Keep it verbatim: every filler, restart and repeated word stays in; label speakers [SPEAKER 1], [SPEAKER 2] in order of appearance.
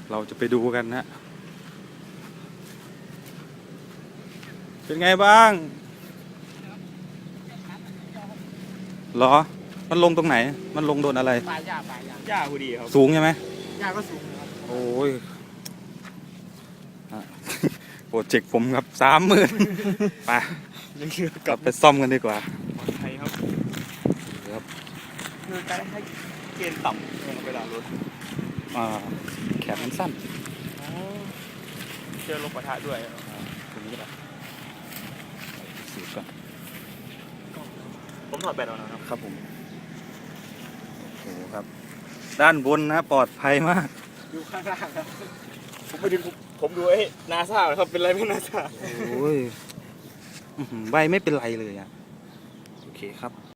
[SPEAKER 1] เราจะไปดูกันนะเป็นไงบ้างเหรอมันลงตรงไหนมันลงโดนอะไร
[SPEAKER 2] ปลาหญ้าปลาหญ้า
[SPEAKER 3] หญ้าพอดีครับ
[SPEAKER 1] สูงใช่ไหม
[SPEAKER 2] หญ้าก็สูงนะครับ
[SPEAKER 1] โอ้ยอ่ะ โปรเจกต์ผมครับสามหมื่นไป
[SPEAKER 3] ยังคือก
[SPEAKER 1] ลับไปซ่อมกันดีกว่า
[SPEAKER 3] ปลอดภัยครับ
[SPEAKER 1] ครับ
[SPEAKER 3] คือการให้เกณฑ์ต่ำลงเวลารถ
[SPEAKER 1] อ่าแขนมันสั้น
[SPEAKER 3] เจอลมปะทะด้วย
[SPEAKER 1] อ่าตรงนี้ก็ได้สูบก่อน
[SPEAKER 3] ผมถอดแบตออกนะครับ
[SPEAKER 1] ครับผมโอ้โหครับ ด้านบนนะปลอดภัยมาก
[SPEAKER 2] อยู่ข้างล่างครับ
[SPEAKER 3] ผมไปดูผมดูไอ้นาซาครับเป็นไรไม่นาซา
[SPEAKER 1] โอ้ยอื้อหือใบไม่เป็นไรเลยอ่ะ โอเคครับ